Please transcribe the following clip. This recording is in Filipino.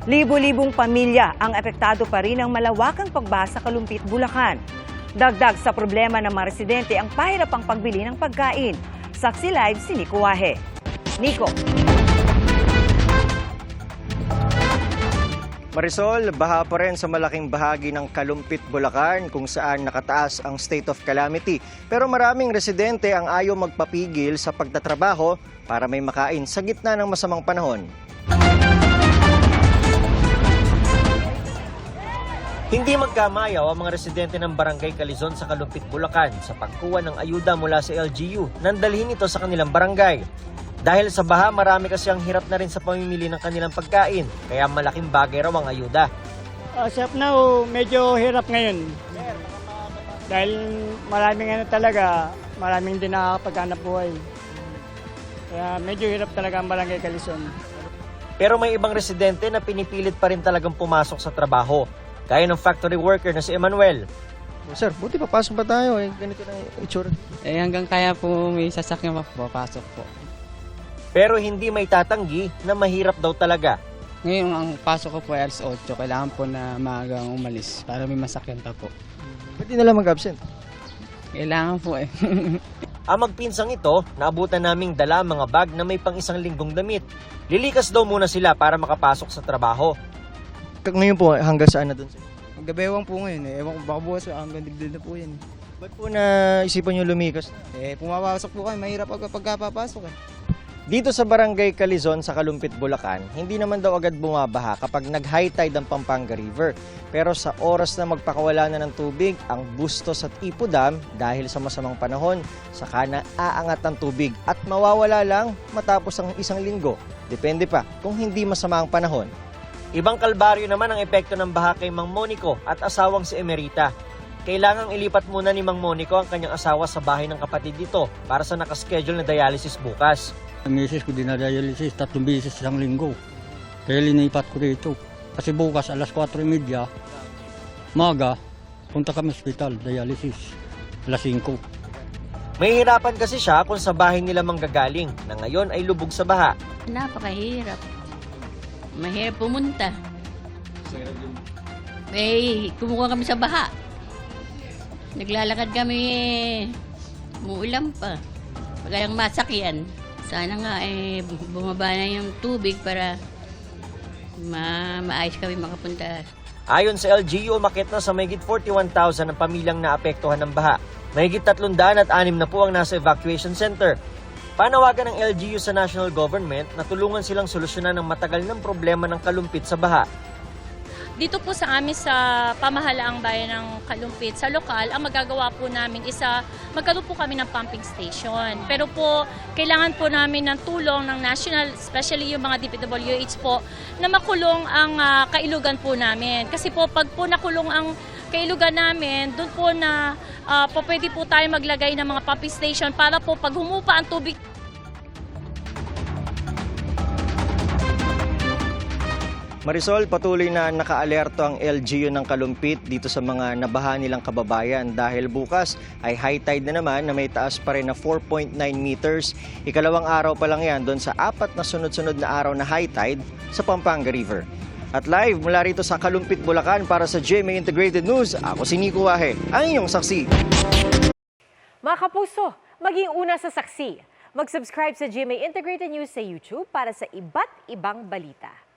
Libo-libong pamilya ang apektado pa rin ng malawakang pagbaha sa Kalumpit, Bulacan. Dagdag sa problema ng mga residente ang pahirapang pagbili ng pagkain. Saksi Live si Nico Wahe. Nico. Marisol, baha pa rin sa malaking bahagi ng Kalumpit, Bulacan kung saan nakataas ang state of calamity. Pero maraming residente ang ayaw magpapigil sa pagtatrabaho para may makain sa gitna ng masamang panahon. Hindi magkamayaw ang mga residente ng Barangay Calizon sa Kalumpit, Bulacan sa pagkuha ng ayuda mula sa LGU nang dalhin ito sa kanilang barangay. Dahil sa baha, marami kasi ang hirap na rin sa pamimili ng kanilang pagkain, kaya malaking bagay raw ang ayuda. As of now, medyo hirap ngayon. Dahil maraming din nakakapaghanap buhay. Kaya medyo hirap talaga ang Barangay Calizon. Pero may ibang residente na pinipilit pa rin talagang pumasok sa trabaho. Gaya ng factory worker na si Emmanuel. Sir, buti papasok pa tayo ganito na itsura. Hanggang kaya po may sasakyan papasok po. Pero hindi may tatanggi na mahirap daw talaga. Ngayon ang pasok ko po ay alas 8, kailangan po na maagang umalis para may masakyan pa po. Pwede na lang mag-absent. Kailangan po Ang magpinsang ito, naabutan naming dala mga bag na may pang isang linggong damit. Lilikas daw muna sila para makapasok sa trabaho. Ngayon po, hanggang saan na doon? Magabewang po ngayon Ewan ko baka bukas hanggang digdil na po yan. Ba't po naisipan nyo lumikas? Pumapasok po kayo, mahirap pagkapapasok Dito sa Barangay Calizon sa Kalumpit, Bulacan, hindi naman daw agad bumabaha kapag nag-high tide ang Pampanga River. Pero sa oras na magpakawala na ng tubig, ang Bustos at Ipo Dam, dahil sa masamang panahon, saka na aangat ang tubig at mawawala lang matapos ang isang linggo. Depende pa kung hindi masama ang panahon. Ibang kalbaryo naman ang epekto ng baha kay Mang Monico at asawang si Emerita. Kailangang ilipat muna ni Mang Monico ang kanyang asawa sa bahay ng kapatid nito para sa nakaschedule na dialysis bukas. Ang misis ko dinadialysis 3 beses isang linggo. Kaya linipat ko dito. Kasi bukas alas 4:30, maga, punta kami sa hospital, dialysis. Alas 5. May hirapan kasi siya kung sa bahay nila manggagaling na ngayon ay lubog sa baha. Napakahirap. Mahirap pumunta. Kumukuha kami sa baha. Naglalakad kami, muulan pa. Pagkayang masakyan. Sana nga bumaba na yung tubig para maayos kami makapunta. Ayon sa LGU, umakit na sa mahigit 41,000 ang pamilyang naapektuhan ng baha. Mahigit 306 na po ang nasa evacuation center. Panawagan ng LGU sa national government na tulungan silang solusyonan ang matagal ng problema ng Kalumpit sa baha. Dito po sa amin sa pamahalaang bayan ng Kalumpit, sa lokal, ang magagawa po namin is magkaroon po kami ng pumping station. Pero po, kailangan po namin ng tulong ng national, especially yung mga DPWH po, na makulong ang kailugan po namin. Kasi po, pag po nakulong ang kailugan namin, doon po na pwede po tayo maglagay ng mga pumping station para po pag humupa ang tubig. Marisol, patuloy na nakaalerto ang LGU ng Kalumpit dito sa mga nabaha nilang kababayan dahil bukas ay high tide na naman na may taas pa rin na 4.9 meters. Ikalawang araw pa lang yan doon sa 4 na sunod-sunod na araw na high tide sa Pampanga River. At live mula rito sa Kalumpit, Bulacan para sa GMA Integrated News, ako si Nico Wahe, ang inyong saksi. Mga kapuso, maging una sa saksi. Mag-subscribe sa GMA Integrated News sa YouTube para sa iba't ibang balita.